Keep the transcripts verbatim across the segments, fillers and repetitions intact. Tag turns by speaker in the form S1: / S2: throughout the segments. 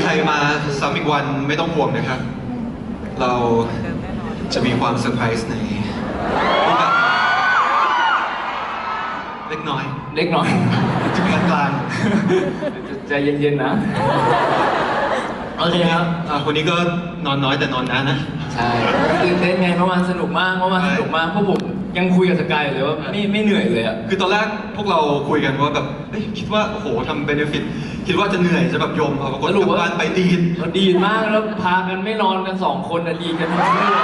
S1: รมาซ้ำอีกวันไม่ต้องห่วงนะครับ เราจะมีความเซอร์ไพรส์ในรูปแบบเล็กน้อย
S2: เล็กน้อย
S1: จะมีกลาง
S2: ใจเย็นๆนะโอเคครับ
S1: อ่าคนนี้ก็นอนน้อยแต่นอนนานนะ
S2: ใช่ตื่นเต้นไงเมื่อวานสนุกมากเมื่อวานสนุกมากเพราะผมยังคุยกับสกายเลยว่าไม่ไม่เหนื่อยเลยอ่ะ
S1: คือตอนแรกพวกเราคุยกันว่าแบบเอ้ยคิดว่าโอ้โหทำเบเนฟิตคิดว่าจะเหนื่อยจะแบบยมเอาปรากฏกลับบ้านไปดีน
S2: เราดีมากแล้วพากันไม่นอนกันสองคนอะดีกันทั้งคืน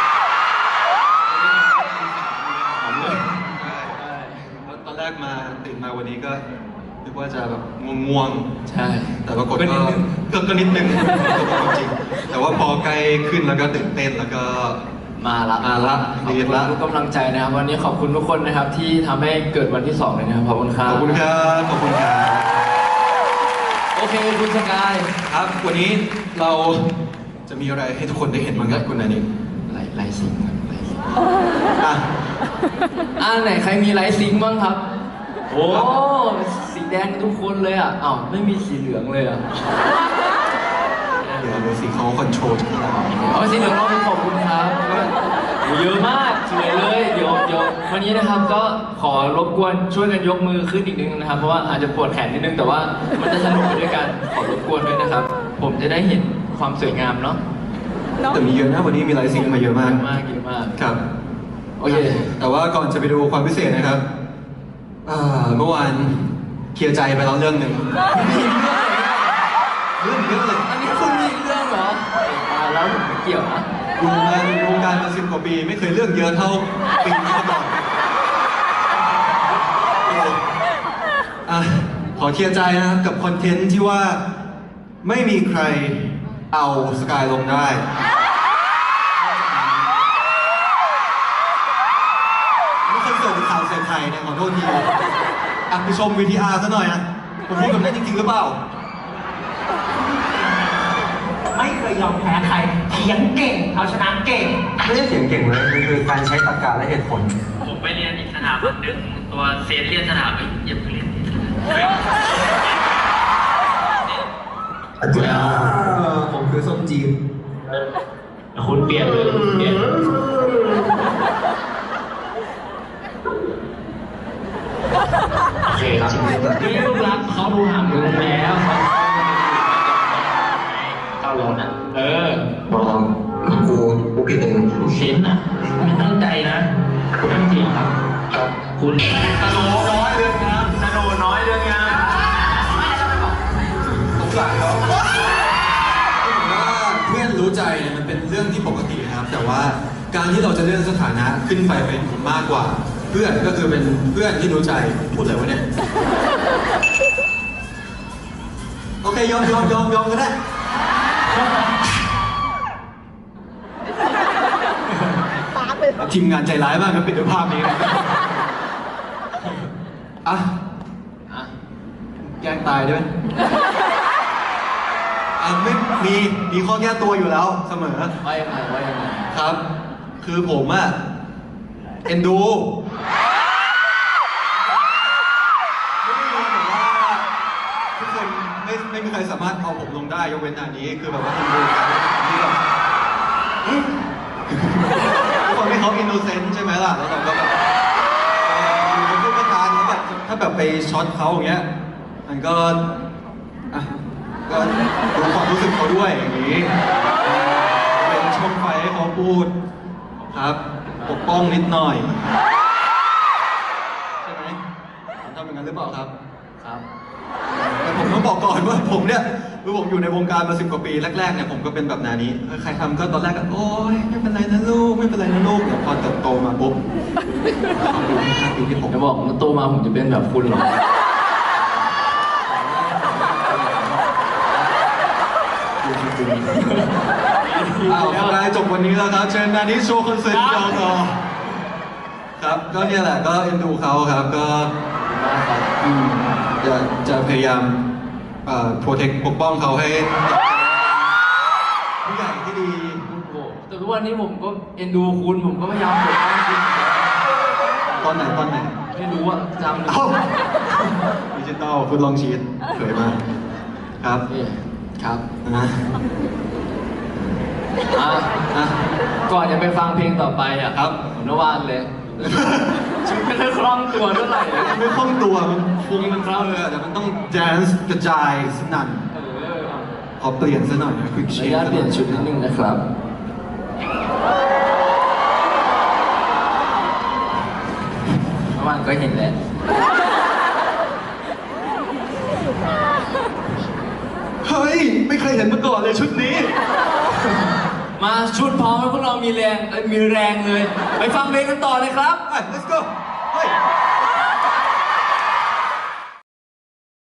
S1: ตอนแรกมาตื่นมาวันนี้ก็นึกว่าจะแบบง่วง
S2: ใช่
S1: ๆแต่ปรากฏก็ก็ก็นิดนึงจริงแต่ว่าพอใกล้ขึ้นแล้วก็ตื่นเต้นแล้วก็
S2: มาละ
S1: มาละ
S2: ขอบ
S1: ดี
S2: คุณ
S1: ละ
S2: ทุกกำลังใจนะครับวันนี้ขอบคุณทุกคนนะครับที่ทำให้เกิดวันที่สองเลยนะครับขอบคุณครับ
S1: ขอบคุณครับขอบคุณครับ
S2: โอเคคุณสกาย
S1: ครับวันนี้เราจะมีอะไรให้ทุกคนได้เห็นบ้างครับคุณนานิ
S2: ไลไลซิงค์ครับไลซิงค์
S1: อ่ะ
S2: อ่าไหนใครมีไลซิงค์บ้างครับ โอ้สีแดงทุกคนเลยอ่ะอ้าวไม่มีสีเหลืองเลยอ่ะ
S1: เดี๋ยวดูสิเขาคอนโทรลทุกอย่าง
S2: เอาสีเหลืองเราไปขอบคุณครับเยอะมากสวยเลยเดี๋ยวเดี๋ยววันนี้นะครับก็ขอรบกวนช่วยกันยกมือขึ้นอีกนิดนึงนะครับเพราะว่าอาจจะปวดแขนนิดนึงแต่ว่ามันจะสนุกไปด้วยกันขอรบกวนด้วยนะครับ ผมจะได้เห็นความสวยงามเนาะ
S1: แต่มีเยอะนะวันนี้มีไลฟ์ซิงค์มาเยอะมาก
S2: เยอะมากเยอะมาก
S1: ครับ
S2: โอเค
S1: แต่ว่าก่อนจะไปดูความพิเศษนะครับอ่าเมื่อวานเคลียร์ใจไปแล้วเรื่องหนึ่งเรื่องเยอะเลย
S2: อันนี้คุณมีเรื่องเหรอตายแล้วผมไม่เกี่ยวนะ
S1: อยู่มาในวงการมาสิบกว่าปีไม่เคยเรื่องเยอะเท่าปีนี้มาก่อนอ่ะขอเคลียร์ใจนะครับกับคอนเทนต์ที่ว่าไม่มีใครเอาสกายลงได้ไม่เคยเกิดข่าวเสียงไทยเนี่ยขอโทษทีอ่ะไปชม วี ที อาร์ ซะหน่อยนะผมพูดแบบนั้นจริงๆหรือเปล่า
S3: ไม่เคยยอมแพ้ใครเถียงเก่งเอาชนะเก่ง
S1: ไม่ใช่เสียงเก่งเลยมันคือการใช้ตรรกะและเหตุผล
S4: ผมไปเรียนอีกสถาบันหนึ่งตัวเซนเรียนสถาบันอย่าเพิ่งเรียน
S1: อาจารย์ผมคือส้มจีน
S4: คุณเปลี่ยนเลยเปลี่ยนโอเคครับนี่ลูกรักเขาดูห่างมึงแล้วเขาร้อนอ่ะเออ
S1: บอกกูกูผิดเอง
S4: เซนอ่ะไม่ตั้งใจนะคุณตั้งจริงครับครับคุณสโนน้อยเรื่องงามสโนน้อยเรื่องงาม
S1: สงสารเขาผมว่าเพื่อนรู้ใจเนี่ยมันเป็นเรื่องที่ปกติครับ แต่ว่าการที่เราจะเลื่อนสถานะขึ้นไปเป็นมากกว่า เพื่อนก็คือเป็นเพื่อนที่รู้ใจพูดอะไรวะเนี่ยโอเคยอมยอมยอมยอมก็ได้ทีมงานใจร้ายมากครับปิดด้วยภาพนี้นะอ่ะ
S2: อ่ะ
S1: แกล้งตายได้ไหมอ่ะไม่มีมีข้อแก้ตัวอยู่แล้วเสมอ
S2: ว่ายังไงว่ายังไง
S1: ครับ คือผมอะเอ็นดูไม่ได้รู้แต่ว่าทุกคนไม่ไม่มีใครสามารถเอาผมลงได้ยกเว้นอันนี้คือแบบว่าเอ็นดูกันที่แบบทุกคนที่เขาอินโนเซนต์ใช่ไหมล่ะแล้วเราก็แบบเอ่ออยู่ในผู้ประการแล้วแบบถ้าแบบไปช็อตเขาอย่างเงี้ยมันก็อ่ะก็ดูความรู้สึกเขาด้วยอย่างนี้เป็นช่องไฟให้เขาพูดครับปกป้องนิดหน่อยใช่ไหมผมทำอย่างนั้นหรือเปล่าครับ
S2: ครับ
S1: แต่ผมต้องบอกก่อนว่าผมเนี่ยคือผมอยู่ในวงการมาสิบกว่าปีแรกๆเนี่ยผมก็เป็นแบบนานี้ใครทำก็ตอนแรกก็โอ๊ยไม่เป็นไรนะลูกไม่เป็นไรนะลูกเดี๋ยวพอเติบโตมาปุ๊บเขาดูที่ค่าปีที่ผม
S2: จะบอกว่าโตมาผมจะเป็นแบบคุณเหรอ
S1: ดูจริงๆอ้าวสกายจบวันนี้แล้วครับเชิญนานี้โชว์คอนเสิร์ตยาวต่อครับก็เนี่ยแหละก็เอ็นดูเขาครับก็อืมจะจะพยายามเอ่อโปรเทคปกป้องเขาให้ผู้ใหญ่ที่ดี
S2: แต่ทุกวันนี้ผมก็เอ็นดูคุณผมก็พยายามปกป้องคุณ
S1: ตอนไหนตอนไหน
S2: ไม่รู้อะจำหรือ
S1: เอ้าดิจิตอลฟุตลองชีตเผยมาครับ
S2: นี่ครับ
S1: นะ
S2: อ่ะ
S1: อ่ะ
S2: ก่อนจะไปฟังเพลงต่อไปอ่ะ
S1: ครับ
S2: ผมนวานเลยชุดไม่ได้คล่องตัวเท่าไหร่เลย
S1: ไม่คล่องตัวมันฟุ้งมันเฟ้าเลยแต่มันต้องแดนซ์กระจายสนั่น
S2: เออ
S1: ขอเปลี่ยนซะหน่อยนะควิก
S2: ข
S1: เช
S2: ออนุญาตเปลี่ยนชุดนิดนึงนะครับเมื่อวานก็เห็นแหละ
S1: เฮ้ย ไม่เคยเห็นมาก่อนเลยชุดนี้
S2: มาชุดพร้อมแล้วพวกเรามีแรงเอ้ยมีแรงเลย ไปฟังเพลงกันต่อเลยครับ
S1: ไป let's go เฮ้ย